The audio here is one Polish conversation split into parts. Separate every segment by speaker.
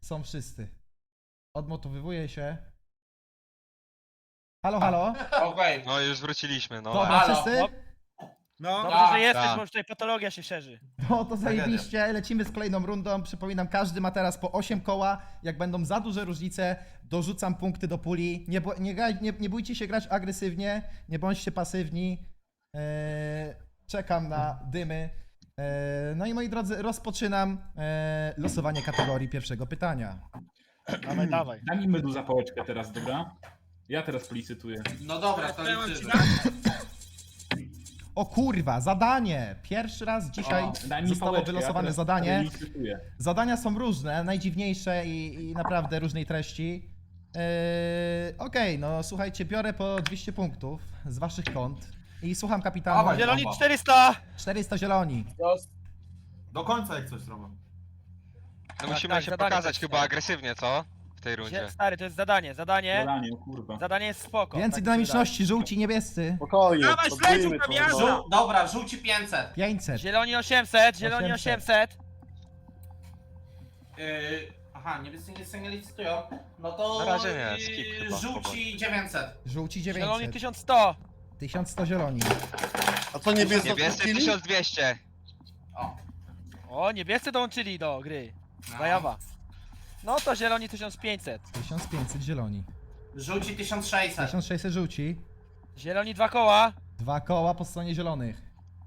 Speaker 1: Są wszyscy. Odmotowywuję się. Halo, halo?
Speaker 2: Okej.
Speaker 3: No już wróciliśmy, no.
Speaker 1: Dobra,
Speaker 2: Halo.
Speaker 1: wszyscy?
Speaker 4: No,
Speaker 2: Tak.
Speaker 5: Dobrze, że jesteś,
Speaker 3: Tak.
Speaker 5: bo już tutaj patologia się szerzy.
Speaker 1: No to zajebiście, lecimy z kolejną rundą. Przypominam, każdy ma teraz po 8 koła. Jak będą za duże różnice, dorzucam punkty do puli. Nie bójcie się grać agresywnie, nie bądźcie pasywni. Czekam na dymy. No i moi drodzy, rozpoczynam losowanie kategorii pierwszego pytania.
Speaker 5: Dawaj, dawaj.
Speaker 4: daj mi medu za pałeczkę teraz, dobra? Ja teraz policytuję.
Speaker 2: No dobra, to liczymy.
Speaker 1: O kurwa, zadanie! Pierwszy raz dzisiaj
Speaker 4: O, daj mi
Speaker 1: zostało
Speaker 4: pałeczkę,
Speaker 1: wylosowane
Speaker 4: teraz
Speaker 1: zadanie.
Speaker 4: licytuję.
Speaker 1: Zadania są różne, najdziwniejsze i naprawdę różnej treści. Okej, no słuchajcie, biorę po 200 punktów z waszych kont i słucham kapitana.
Speaker 2: Dawaj.
Speaker 5: Zieloni 400!
Speaker 1: 400 zieloni.
Speaker 6: Do końca jak coś robią.
Speaker 3: No musimy
Speaker 5: tak,
Speaker 3: się
Speaker 5: zadanie
Speaker 3: pokazać
Speaker 5: też,
Speaker 3: chyba
Speaker 5: tak.
Speaker 3: agresywnie, co? W tej rundzie.
Speaker 5: Stary, to jest zadanie. Zadanie
Speaker 4: Zadanie, o kurwa.
Speaker 5: jest spoko.
Speaker 1: Więcej
Speaker 5: tak mi się
Speaker 1: dynamiczności, żółci, niebiescy.
Speaker 7: Spokojnie,
Speaker 4: Dawaj,
Speaker 7: podbijmy
Speaker 4: śledziu,
Speaker 7: to.
Speaker 4: Fabiana!
Speaker 2: Dobra, żółci 500.
Speaker 1: 500.
Speaker 5: wydaje. Zieloni 800, zieloni
Speaker 1: 800.
Speaker 5: 800.
Speaker 2: Aha, niebiescy nie licytują. No to
Speaker 3: Na razie nie, skip chyba,
Speaker 2: żółci 900.
Speaker 1: Żółci
Speaker 5: Zieloni
Speaker 1: 900.
Speaker 5: 1100.
Speaker 1: 1100 zieloni.
Speaker 7: A co niebiesko
Speaker 3: Niebiescy
Speaker 7: odpuścili?
Speaker 3: 1200.
Speaker 2: O.
Speaker 5: O, niebiescy dołączyli do gry. Zajawa. No to zieloni 1500.
Speaker 1: 1500 zieloni.
Speaker 2: Żółci 1600.
Speaker 1: 1600 żółci.
Speaker 5: Zieloni 2 koła.
Speaker 1: 2 koła po stronie zielonych.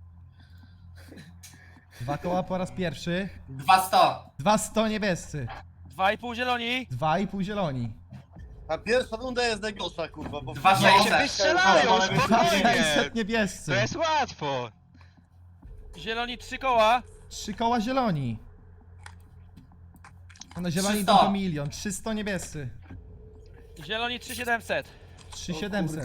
Speaker 1: 2 koła po raz pierwszy.
Speaker 2: 200.
Speaker 1: 200 niebiescy.
Speaker 5: 2,5 zieloni.
Speaker 1: 2,5 zieloni.
Speaker 7: A pierwsza runda jest najgorsza, kurwa, bo...
Speaker 2: 2600.
Speaker 3: Się wystrzelają, spokojnie.
Speaker 1: 600 niebiescy.
Speaker 3: To jest łatwo.
Speaker 5: Zieloni 3 koła.
Speaker 1: 3 koła zieloni. No zieloni
Speaker 2: 300.
Speaker 1: idą do milion. 300 niebiescy.
Speaker 5: Zieloni 3700.
Speaker 1: 3700.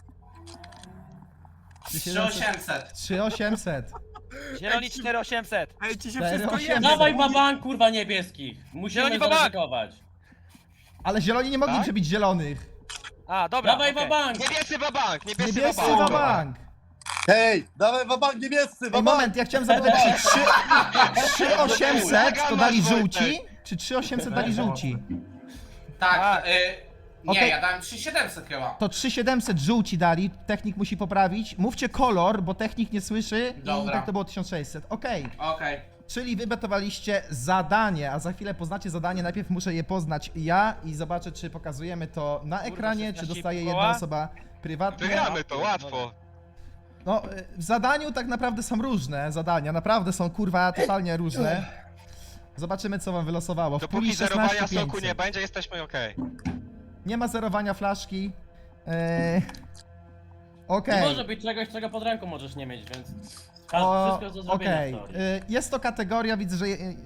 Speaker 2: 3800.
Speaker 1: 3800.
Speaker 5: Zieloni 4800.
Speaker 4: Ej, ci się
Speaker 1: 4800.
Speaker 8: Dawaj babank, kurwa niebieskich. Musimy
Speaker 5: Zieloni babank.
Speaker 8: zaryzykować.
Speaker 1: Ale zieloni nie mogli
Speaker 5: Tak?
Speaker 1: przebić zielonych.
Speaker 5: A, dobra.
Speaker 8: Dawaj
Speaker 5: okej.
Speaker 8: babank.
Speaker 3: Niebiescy babank, niebiescy
Speaker 1: Niebiescy
Speaker 3: babank.
Speaker 1: za bank.
Speaker 7: Hej, dawaj wabank niebiescy,
Speaker 1: Ej,
Speaker 7: wabank!
Speaker 1: moment, ja chciałem zapytać, czy 3800 to dali żółci? Czy 3800 dali żółci?
Speaker 2: Tak,
Speaker 5: A.
Speaker 2: nie,
Speaker 1: Okej.
Speaker 2: ja dałem 3700 chyba.
Speaker 1: To 3700 żółci dali, technik musi poprawić. Mówcie kolor, bo technik nie słyszy i
Speaker 2: Dobra.
Speaker 1: tak to było 1600. Okej.
Speaker 2: Okej.
Speaker 1: Czyli wy betowaliście zadanie, a za chwilę poznacie zadanie. Najpierw muszę je poznać ja i zobaczę, czy pokazujemy to na ekranie, czy
Speaker 5: 16
Speaker 1: dostaje
Speaker 5: koła?
Speaker 1: jedna osoba prywatnie.
Speaker 3: Wygramy to, łatwo.
Speaker 1: No, w zadaniu tak naprawdę są różne zadania, naprawdę są kurwa totalnie różne. Zobaczymy, co wam wylosowało. W
Speaker 3: Dopóki
Speaker 1: puli
Speaker 3: zerowania
Speaker 1: 16
Speaker 3: soku nie
Speaker 1: 500.
Speaker 3: będzie, jesteśmy okej.
Speaker 1: Nie ma zerowania flaszki.
Speaker 8: Nie
Speaker 1: Okej.
Speaker 8: może być czegoś, czego pod ręką możesz nie mieć, więc...
Speaker 1: O,
Speaker 8: Wszystko do zrobienia
Speaker 1: okej.
Speaker 8: w teorii.
Speaker 1: Jest to kategoria, widzę, że...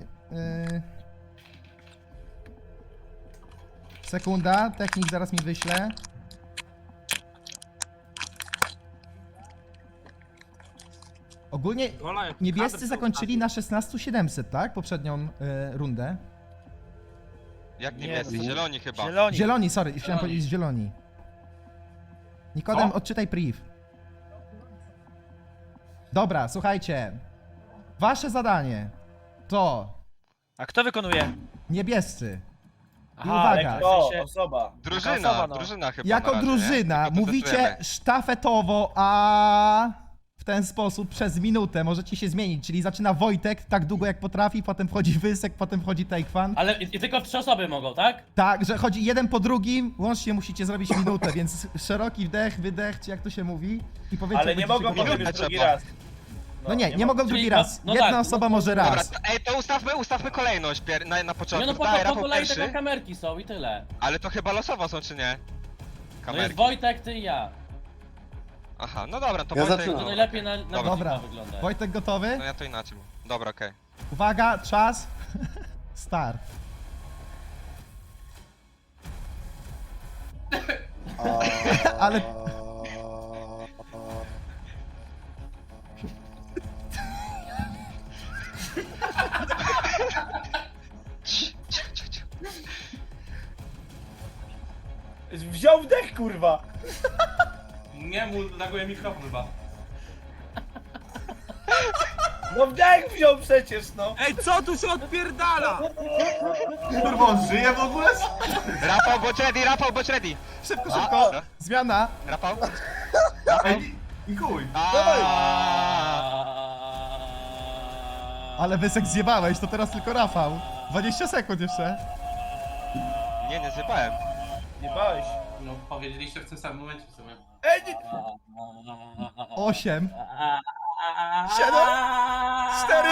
Speaker 1: Sekunda, technik zaraz mi wyśle. Ogólnie niebiescy zakończyli na 16700, tak? Poprzednią rundę.
Speaker 3: Jak
Speaker 5: Nie,
Speaker 3: niebiescy?
Speaker 5: no.
Speaker 3: Zieloni chyba.
Speaker 5: Zieloni.
Speaker 1: Zieloni, sorry, chciałem powiedzieć zieloni. Nikodem, odczytaj priv. Dobra, słuchajcie. Wasze zadanie to
Speaker 5: A kto wykonuje?
Speaker 1: niebiescy. I
Speaker 5: Aha,
Speaker 1: uwaga.
Speaker 5: ale w sensie-
Speaker 8: osoba.
Speaker 3: Drużyna,
Speaker 5: osoba, no.
Speaker 3: drużyna chyba
Speaker 1: Jako
Speaker 3: na razie,
Speaker 1: drużyna
Speaker 3: nie? Tylko to
Speaker 1: mówicie
Speaker 3: testujemy.
Speaker 1: sztafetowo, a w ten sposób przez minutę możecie się zmienić. Czyli zaczyna Wojtek tak długo jak potrafi, potem wchodzi Wysek, potem wchodzi Takefan.
Speaker 8: Ale i tylko 3 osoby mogą, tak?
Speaker 1: Tak, że chodzi jeden po drugim, łącznie musicie zrobić minutę, więc szeroki wdech, wydech, czy jak to się mówi. I powiedzcie,
Speaker 4: Ale nie
Speaker 1: będziecie
Speaker 4: mogą
Speaker 1: gotowi.
Speaker 3: minutę
Speaker 4: drugi
Speaker 3: trzeba.
Speaker 4: raz.
Speaker 1: No nie mogą drugi
Speaker 8: Czyli
Speaker 1: raz.
Speaker 8: no
Speaker 1: Jedna
Speaker 8: tak,
Speaker 1: osoba
Speaker 8: no to-
Speaker 1: może
Speaker 3: Dobra,
Speaker 1: raz.
Speaker 3: to ustawmy kolejność na
Speaker 8: Nie
Speaker 3: początku.
Speaker 8: no,
Speaker 3: Daj,
Speaker 8: po
Speaker 3: Rafał
Speaker 8: kolei
Speaker 3: pierwszy.
Speaker 8: tylko kamerki są i tyle.
Speaker 3: Ale to chyba losowo są, czy nie?
Speaker 8: No jest
Speaker 3: Kamerki.
Speaker 8: Wojtek, ty i ja.
Speaker 3: Aha, no dobra, to
Speaker 7: Ja
Speaker 3: Wojtek...
Speaker 7: zaczynam.
Speaker 8: To najlepiej na
Speaker 1: Dobra.
Speaker 8: widzika wygląda.
Speaker 1: Wojtek gotowy?
Speaker 3: No ja to inaczej mówię. Dobra, okej.
Speaker 1: Uwaga, czas. Start. Ale-
Speaker 4: Wziął wdech, kurwa!
Speaker 2: Nie, mu laguje mikrofon chyba.
Speaker 9: No wdech wziął przecież, no.
Speaker 10: Ej, co tu się odpierdala?
Speaker 6: Kurwa, on żyje w ogóle?
Speaker 3: Rafał, bądź ready!
Speaker 1: Szybko, szybko!
Speaker 3: A.
Speaker 1: Zmiana!
Speaker 3: Rafał?
Speaker 6: Ej, i chuj.
Speaker 1: Ale Wysek zjebałeś, to teraz tylko Rafał. 20 sekund jeszcze.
Speaker 3: Nie zjebałem.
Speaker 9: Nie bałeś.
Speaker 2: No, powiedzieliście w tym samym momencie w sumie.
Speaker 9: Ej, nie...
Speaker 1: 8, 7, 4,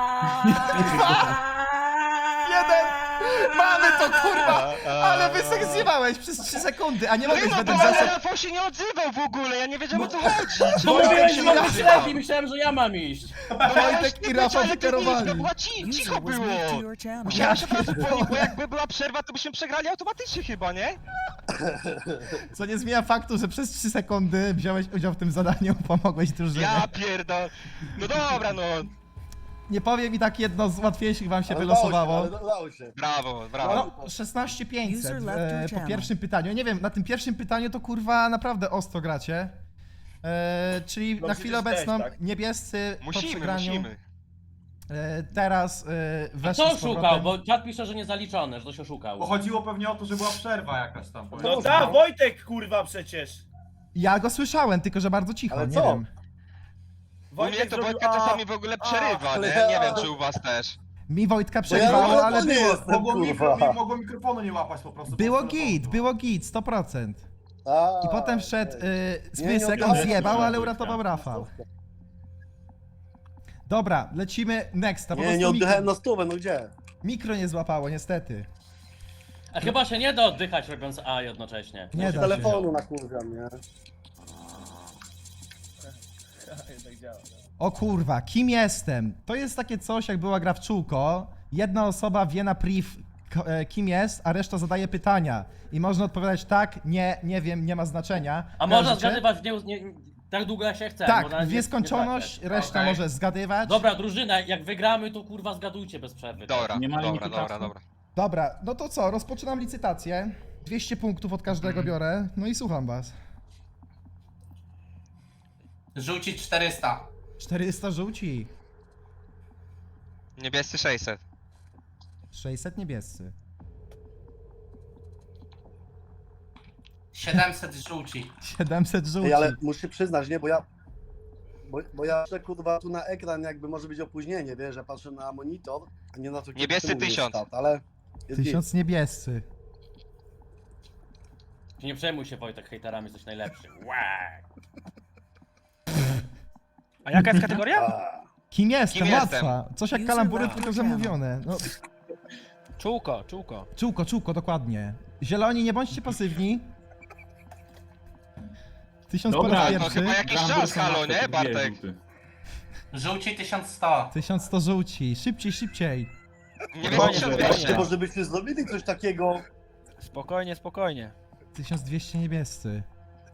Speaker 1: 1. Mamy to, kurwa! Ale Wysek zjebałeś przez 3 sekundy, a nie mogłeś
Speaker 3: No
Speaker 1: według
Speaker 3: bo ale
Speaker 1: zasad...
Speaker 3: Rafał się nie odzywał w ogóle, ja nie wiedziałem o co chodzi.
Speaker 8: Bo mówiłeś, że
Speaker 1: ja-
Speaker 8: mam śledzi, myślałem, że ja mam iść.
Speaker 1: Wojtek i Rafał wykierowali.
Speaker 3: To była cicho było. Musiałem się teraz upomnieć, bo jakby była przerwa, to byśmy przegrali automatycznie chyba, nie?
Speaker 1: Co nie zmienia faktu, że przez 3 sekundy wziąłeś udział w tym zadaniu, pomogłeś drużynie.
Speaker 3: Ja pierdol. No dobra, no.
Speaker 1: Nie powiem i tak jedno z łatwiejszych wam się
Speaker 7: Ale
Speaker 1: wylosowało.
Speaker 7: ale dało się.
Speaker 3: Brawo.
Speaker 1: No, 16500 po pierwszym pytaniu. Nie wiem, na tym pierwszym pytaniu to kurwa naprawdę ostro gracie. Czyli
Speaker 9: No
Speaker 1: na
Speaker 9: przecież
Speaker 1: chwilę
Speaker 9: też,
Speaker 1: obecną
Speaker 9: tak?
Speaker 1: niebiescy po przegraniu.
Speaker 3: Musimy.
Speaker 1: Teraz
Speaker 8: A
Speaker 1: weszli
Speaker 8: co
Speaker 1: z powrotem.
Speaker 8: oszukał? Bo czat pisze, że niezaliczone, że to się oszukał.
Speaker 6: Bo chodziło pewnie o to, że była przerwa jakaś tam.
Speaker 9: No da, Wojtek, kurwa, przecież.
Speaker 1: Ja go słyszałem, tylko że bardzo cicho,
Speaker 7: Ale
Speaker 1: nie
Speaker 7: co?
Speaker 1: wiem.
Speaker 3: U mnie to
Speaker 9: zrobił
Speaker 3: Wojtka
Speaker 9: A.
Speaker 3: czasami w ogóle przerywa,
Speaker 7: ale
Speaker 3: nie?
Speaker 7: ja-
Speaker 3: Nie wiem czy u was też.
Speaker 1: Mi Wojtka
Speaker 7: Bo ja
Speaker 1: przerywało,
Speaker 7: na
Speaker 1: ale
Speaker 7: telefonie
Speaker 1: było,
Speaker 7: jestem,
Speaker 6: Mogło mikrofonu nie łapać po prostu.
Speaker 1: było
Speaker 6: po
Speaker 1: git,
Speaker 6: telefonu.
Speaker 1: było git, 100%.
Speaker 7: A,
Speaker 1: I potem wszedł
Speaker 7: Nie, nie
Speaker 1: Wysek, on
Speaker 7: odgadłem,
Speaker 1: zjebał,
Speaker 4: że
Speaker 1: ale
Speaker 4: Wojtka.
Speaker 1: uratował Rafał. Dobra, lecimy next, po
Speaker 7: Nie,
Speaker 1: prostu
Speaker 7: nie oddychałem
Speaker 1: mikro,
Speaker 7: na stówę, no gdzie?
Speaker 1: mikro nie złapało, niestety.
Speaker 8: A chyba się nie da oddychać robiąc A jednocześnie.
Speaker 1: Nie
Speaker 7: Z
Speaker 1: da się.
Speaker 7: telefonu nakurwiam, nie?
Speaker 9: Tak działa.
Speaker 1: O kurwa, kim jestem? To jest takie coś, jak była gra w czółko. Jedna osoba wie na priv, kim jest, a reszta zadaje pytania. I można odpowiadać tak, nie wiem, nie ma znaczenia.
Speaker 8: A można
Speaker 1: Kojarzycie?
Speaker 8: zgadywać tak długo jak się chce.
Speaker 1: Tak,
Speaker 8: można
Speaker 1: w nieskończoność,
Speaker 8: trafiać.
Speaker 1: reszta
Speaker 2: Okej.
Speaker 1: może zgadywać.
Speaker 8: Dobra, drużyna, jak wygramy, to kurwa zgadujcie bez przerwy.
Speaker 3: Dobra,
Speaker 4: Nie ma limitu
Speaker 3: dobra.
Speaker 4: czasu.
Speaker 1: Dobra, no to co, rozpoczynam licytację. 200 punktów od każdego biorę, no i słucham was.
Speaker 2: Rzucić 400.
Speaker 1: 400 żółci,
Speaker 3: Niebiescy 600.
Speaker 1: 600 niebiescy.
Speaker 2: 700 żółci.
Speaker 1: 700 żółci.
Speaker 7: Ej, ale muszę przyznać, nie, bo ja... Bo ja patrzę, kurwa, tu na ekran jakby może być opóźnienie, wiesz, ja patrzę na monitor, a nie na to, kiedy
Speaker 3: Niebiescy
Speaker 7: ty mówisz
Speaker 3: 1000.
Speaker 7: start, ale... jest
Speaker 1: 1000 niebiescy.
Speaker 8: Nie przejmuj się, Wojtek, hejterami, jesteś najlepszy.
Speaker 5: A jaka jest
Speaker 7: git.
Speaker 5: kategoria?
Speaker 7: A,
Speaker 1: Kim jestem?
Speaker 3: Kim jestem?
Speaker 1: Łatwa. Coś jak kalambury, tylko że mówione. No,
Speaker 5: Czółko.
Speaker 1: czółko, dokładnie. Zieloni, nie bądźcie pasywni. 1000 po
Speaker 4: Dobra,
Speaker 1: raz
Speaker 3: to
Speaker 1: pierwszy.
Speaker 3: chyba jakiś
Speaker 4: Gambler
Speaker 3: czas, halo,
Speaker 4: Samatek,
Speaker 3: nie,
Speaker 4: dwie
Speaker 3: Bartek?
Speaker 4: żółty.
Speaker 2: Żółci 1100.
Speaker 1: 1100 żółci. Szybciej.
Speaker 3: Niebiescy
Speaker 5: Spokojnie,
Speaker 3: 1200.
Speaker 7: Czy może byśmy zrobili coś takiego?
Speaker 5: Spokojnie.
Speaker 1: 1200 niebiescy.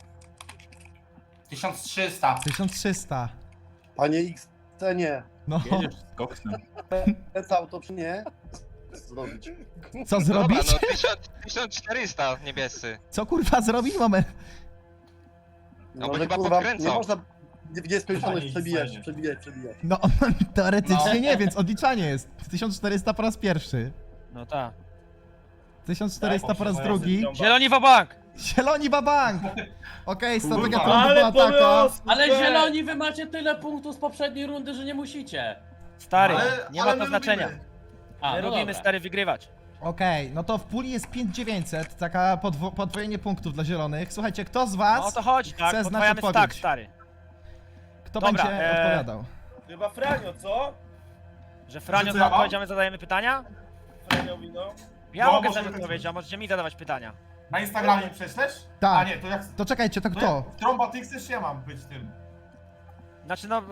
Speaker 2: 1300.
Speaker 1: 1300.
Speaker 7: Panie X, nie.
Speaker 1: No,
Speaker 4: Jedziesz z koksem.
Speaker 7: Cały to czy nie? Zrobić.
Speaker 1: co
Speaker 3: Dobra,
Speaker 1: zrobić?
Speaker 3: no 1400 niebiescy.
Speaker 1: Co kurwa zrobić? Moment.
Speaker 3: No bo
Speaker 7: że,
Speaker 3: chyba
Speaker 7: kurwa,
Speaker 3: podkręcą.
Speaker 7: nie można w nieskończoność
Speaker 6: Panie
Speaker 7: przebijać,
Speaker 6: X,
Speaker 7: przebijać.
Speaker 1: No, teoretycznie nie, więc odliczanie jest. 1400 po raz pierwszy.
Speaker 5: No tak.
Speaker 1: 1400 po raz
Speaker 9: Tak,
Speaker 1: drugi.
Speaker 5: Zieloni wabank!
Speaker 1: Zieloni babank! Okej, strategia
Speaker 6: Kurwa.
Speaker 1: trąby była
Speaker 9: Ale
Speaker 1: taka.
Speaker 9: pomysł!
Speaker 8: Ale zieloni, wy macie tyle punktów z poprzedniej rundy, że nie musicie.
Speaker 5: Stary,
Speaker 6: Ale-
Speaker 5: nie
Speaker 6: ale
Speaker 5: ma to
Speaker 6: my
Speaker 5: znaczenia.
Speaker 6: lubimy.
Speaker 8: A,
Speaker 5: My
Speaker 8: no
Speaker 5: lubimy,
Speaker 8: dobra.
Speaker 5: stary, wygrywać.
Speaker 1: Okej, no to w puli jest 5900, taka podwojenie punktów dla zielonych. Słuchajcie, kto z was,
Speaker 5: No o to chodzi, tak?
Speaker 1: znać
Speaker 5: Podwajamy
Speaker 1: odpowiedź.
Speaker 5: stack, stary.
Speaker 1: kto
Speaker 5: Dobra,
Speaker 1: będzie odpowiadał?
Speaker 9: Chyba Franio, co?
Speaker 5: Że Franio
Speaker 6: Że co
Speaker 5: za
Speaker 6: ja mam?
Speaker 5: odpowiedziami zadajemy pytania?
Speaker 9: Franiowi, no.
Speaker 5: Ja
Speaker 6: No,
Speaker 5: mogę
Speaker 6: może
Speaker 5: zadać
Speaker 6: być.
Speaker 5: odpowiedź, a możecie mi zadawać pytania.
Speaker 6: Na Instagramie prześlesz?
Speaker 1: Tak.
Speaker 6: A nie, to jak...
Speaker 1: To czekajcie, to
Speaker 6: To
Speaker 1: kto?
Speaker 6: jak trąba ty chcesz, ja mam być tym.
Speaker 5: Znaczy no...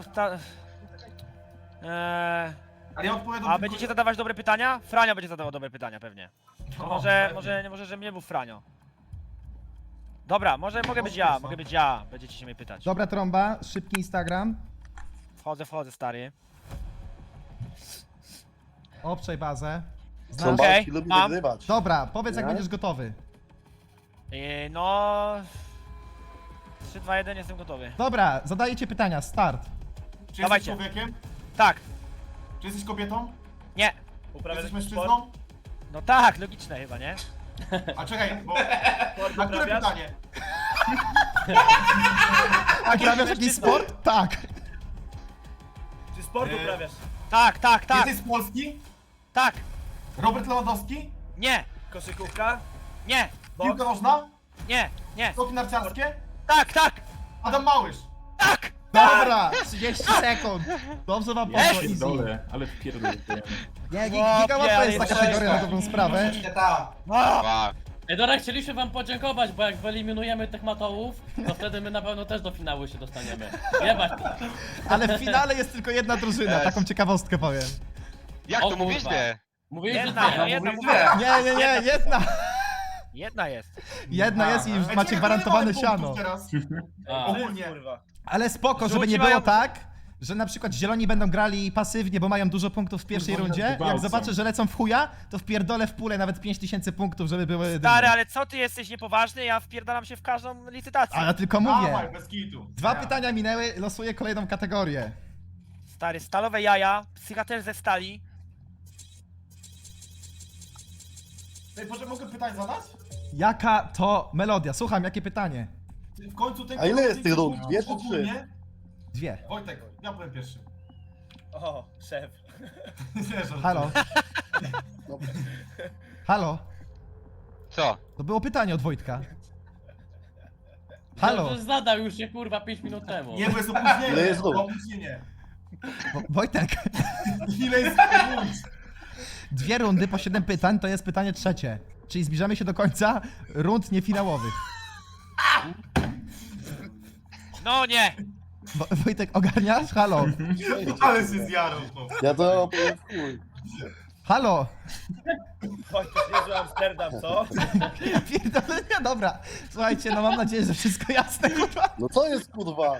Speaker 6: Ale ja odpowiadam
Speaker 5: A
Speaker 6: tylko-
Speaker 5: będziecie zadawać dobre pytania? Franio będzie zadawał dobre pytania pewnie.
Speaker 6: No,
Speaker 5: Może, że mnie był Franio. Dobra, mogę być ja, będziecie się mnie pytać.
Speaker 1: Dobra trąba, szybki Instagram.
Speaker 5: Wchodzę, stary.
Speaker 1: Obczaj bazę. Znasz?
Speaker 7: Trąbalski lubi
Speaker 5: mam.
Speaker 7: wygrywać.
Speaker 1: Dobra, powiedz jak
Speaker 7: Nie?
Speaker 1: będziesz gotowy.
Speaker 5: No... 3, 2, 1, jestem gotowy.
Speaker 1: Dobra, zadajecie pytania, start.
Speaker 6: Czy
Speaker 5: Dawajcie.
Speaker 6: jesteś człowiekiem?
Speaker 5: Tak.
Speaker 6: Czy jesteś kobietą?
Speaker 5: Nie.
Speaker 9: Uprawiasz
Speaker 6: Jesteś
Speaker 9: jakiś sport?
Speaker 6: mężczyzną?
Speaker 5: No tak, logiczne chyba, nie?
Speaker 6: A czekaj, bo...
Speaker 9: Sport
Speaker 6: Na które
Speaker 9: uprawiasz?
Speaker 6: pytanie?
Speaker 1: A grabiasz jakiś sport? Tak.
Speaker 9: Czy sport uprawiasz?
Speaker 5: Tak, tak, tak,
Speaker 6: Jesteś z Polski?
Speaker 5: tak.
Speaker 6: Robert Lewandowski?
Speaker 5: Nie,
Speaker 9: Koszykówka?
Speaker 5: nie,
Speaker 6: Piłka nożna?
Speaker 5: nie, nie.
Speaker 6: Skoki narciarskie?
Speaker 5: Tak, tak,
Speaker 6: Adam Małysz?
Speaker 5: tak.
Speaker 1: Dobra, 30 sekund. Dobrze wam poszło, easy.
Speaker 4: Pierdolę, ale pierdolę.
Speaker 1: Nie, giga łatwa jest ta kategoria na dobrą sprawę.
Speaker 2: Nie tak.
Speaker 3: Wow.
Speaker 8: Ej, dobra, chcieliśmy wam podziękować, bo jak wyeliminujemy tych matołów, to wtedy my na pewno też do finału się dostaniemy. Jebać.
Speaker 1: Ale w finale jest tylko jedna drużyna, taką ciekawostkę powiem.
Speaker 3: Jak
Speaker 8: O
Speaker 3: to mówisz
Speaker 8: kurwa.
Speaker 3: dwie?
Speaker 8: Mówiłeś, że
Speaker 5: Jedna,
Speaker 8: dwie.
Speaker 5: jedna,
Speaker 2: Mówisz
Speaker 5: mówię.
Speaker 2: dwie.
Speaker 1: Nie, jedna.
Speaker 5: Jedna jest.
Speaker 1: Jedna jest i już
Speaker 6: Ej,
Speaker 1: macie
Speaker 6: czekaj,
Speaker 1: gwarantowane
Speaker 6: ile mamy punktów
Speaker 1: siano.
Speaker 6: teraz?
Speaker 8: A.
Speaker 6: Ogólnie.
Speaker 9: Kurwa.
Speaker 1: Ale spoko, żeby
Speaker 5: Żółci
Speaker 1: nie było
Speaker 5: mają-
Speaker 1: tak, że na przykład zieloni będą grali pasywnie, bo mają dużo punktów w pierwszej
Speaker 4: Kurwa,
Speaker 1: rundzie. Jak
Speaker 4: gwałcą.
Speaker 1: zobaczę, że lecą w chuja, to wpierdolę w pulę nawet 5000 punktów, żeby były dymy.
Speaker 5: Stary, ale co ty jesteś niepoważny? Ja wpierdalam się w każdą licytację.
Speaker 1: A ja tylko
Speaker 6: Dawaj,
Speaker 1: mówię.
Speaker 6: bez kitu.
Speaker 1: Dwa pytania minęły, losuję kolejną kategorię.
Speaker 5: Stary, stalowe jaja, psycha też ze stali.
Speaker 6: Ej, proszę, mogę pytanie zadać?
Speaker 1: Jaka to melodia? Słucham, jakie pytanie?
Speaker 6: W końcu tej
Speaker 7: A ile jest tych rund?
Speaker 6: ogólnie-
Speaker 7: Dwie czy trzy?
Speaker 6: ogólnie-
Speaker 1: Dwie.
Speaker 6: Wojtek, ja powiem pierwszy.
Speaker 9: O, szef.
Speaker 6: Nie, żartuję.
Speaker 1: Halo? Halo?
Speaker 3: Co?
Speaker 1: To było pytanie od Wojtka.
Speaker 8: Halo.
Speaker 1: Halo?
Speaker 8: To zadał już się kurwa 5 minut temu.
Speaker 6: Nie, bo jest opóźnienie.
Speaker 7: Ile jest rund?
Speaker 6: Opóźnienie.
Speaker 1: Wojtek,
Speaker 6: Ile jest rund?
Speaker 1: dwie rundy po 7 pytań to jest pytanie trzecie. Czyli zbliżamy się do końca rund niefinałowych.
Speaker 5: No nie!
Speaker 1: Wojtek, ogarniasz? Halo?
Speaker 6: Ale się zjarał to.
Speaker 7: Ja to powiem w chuj.
Speaker 1: Halo?
Speaker 9: Wojtek, niezły Amsterdam, co?
Speaker 1: Pierdolenia, dobra. Słuchajcie, no mam nadzieję, że wszystko jasne, kurwa.
Speaker 7: No co jest kurwa?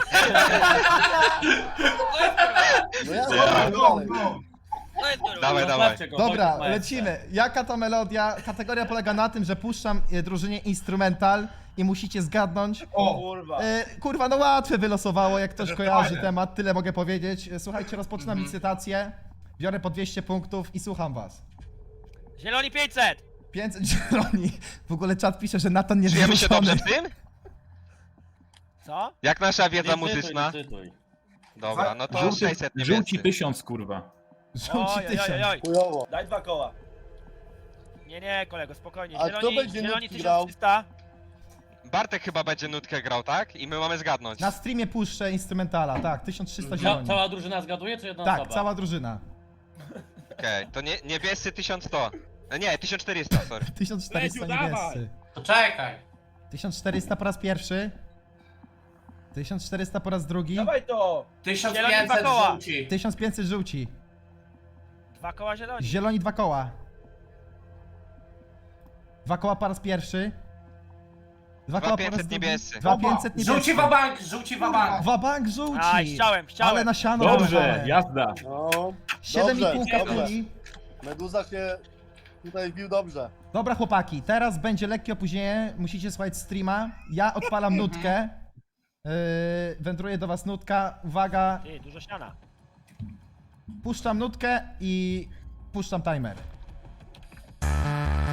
Speaker 7: No ja
Speaker 3: Ja.
Speaker 6: Go,
Speaker 7: dalej.
Speaker 6: go.
Speaker 3: Dawaj, dawaj.
Speaker 8: Zostawcie go,
Speaker 1: Dobra,
Speaker 8: Wojtek ma
Speaker 1: lecimy. Jaka to melodia? Kategoria polega na tym, że puszczam drużynie instrumental i musicie zgadnąć.
Speaker 6: O,
Speaker 9: Kurwa.
Speaker 1: Kurwa, no łatwe wylosowało, jak ktoś
Speaker 6: To
Speaker 1: kojarzy
Speaker 6: fajne.
Speaker 1: temat, tyle mogę powiedzieć. Słuchajcie, rozpoczynam licytację. Biorę po 200 punktów i słucham was.
Speaker 5: Zieloni 500!
Speaker 1: 500 zieloni. W ogóle czat pisze, że Natan nie
Speaker 3: Czujemy się dobrze
Speaker 1: wyrzucony.
Speaker 3: w tym?
Speaker 5: Co?
Speaker 3: Jak nasza wiedza
Speaker 8: Licytuj,
Speaker 3: muzyczna?
Speaker 8: licytuj.
Speaker 3: Dobra, no to
Speaker 4: Żółci,
Speaker 3: 600
Speaker 4: żółci
Speaker 3: niebiescy.
Speaker 4: 1000, kurwa.
Speaker 1: Żółci
Speaker 5: Oj, oj,
Speaker 1: 1000.
Speaker 5: oj, oj.
Speaker 7: Chujowo.
Speaker 9: Daj 2 koła.
Speaker 5: Nie, kolego, spokojnie.
Speaker 7: A kto
Speaker 5: Zieloni,
Speaker 7: będzie
Speaker 5: zieloni
Speaker 7: nutki grał?
Speaker 5: 1300.
Speaker 3: Bartek chyba będzie nutkę grał, tak? I my mamy zgadnąć.
Speaker 1: Na streamie puszczę instrumentala, tak, 1300 zieloni.
Speaker 8: Cała drużyna zgaduje, czy jedna
Speaker 1: Tak,
Speaker 8: osoba?
Speaker 1: cała drużyna.
Speaker 3: Okej, to niebiescy 1100. Nie, 1400, sorry.
Speaker 1: 1400
Speaker 10: Leciu, dawaj.
Speaker 1: niebiescy.
Speaker 2: To czekaj.
Speaker 1: 1400 po raz pierwszy. 1400 po raz drugi.
Speaker 9: Dawaj to!
Speaker 2: 1500
Speaker 5: koła.
Speaker 2: żółci.
Speaker 1: 1500 żółci.
Speaker 5: 2 koła zieloni.
Speaker 1: Zieloni 2 koła. 2 koła po raz pierwszy. 2 koła po raz
Speaker 3: 2500
Speaker 1: drugi.
Speaker 3: niebiescy.
Speaker 1: 2500 niebiescy.
Speaker 2: Żółci wabank, żółci wabank.
Speaker 1: Wabank żółci.
Speaker 5: Aj, chciałem.
Speaker 1: Ale na siano
Speaker 4: Dobrze,
Speaker 1: wyrwane.
Speaker 4: jazda.
Speaker 7: No,
Speaker 1: 7,5
Speaker 7: dobrze,
Speaker 1: kapuli.
Speaker 7: Meduza się tutaj wbił dobrze.
Speaker 1: Dobra chłopaki, teraz będzie lekkie opóźnienie. Musicie słuchać streama. Ja odpalam nutkę. Wędruje do was nutka. Uwaga,
Speaker 5: Ty, dużo siana.
Speaker 1: puszczam nutkę i puszczam timer.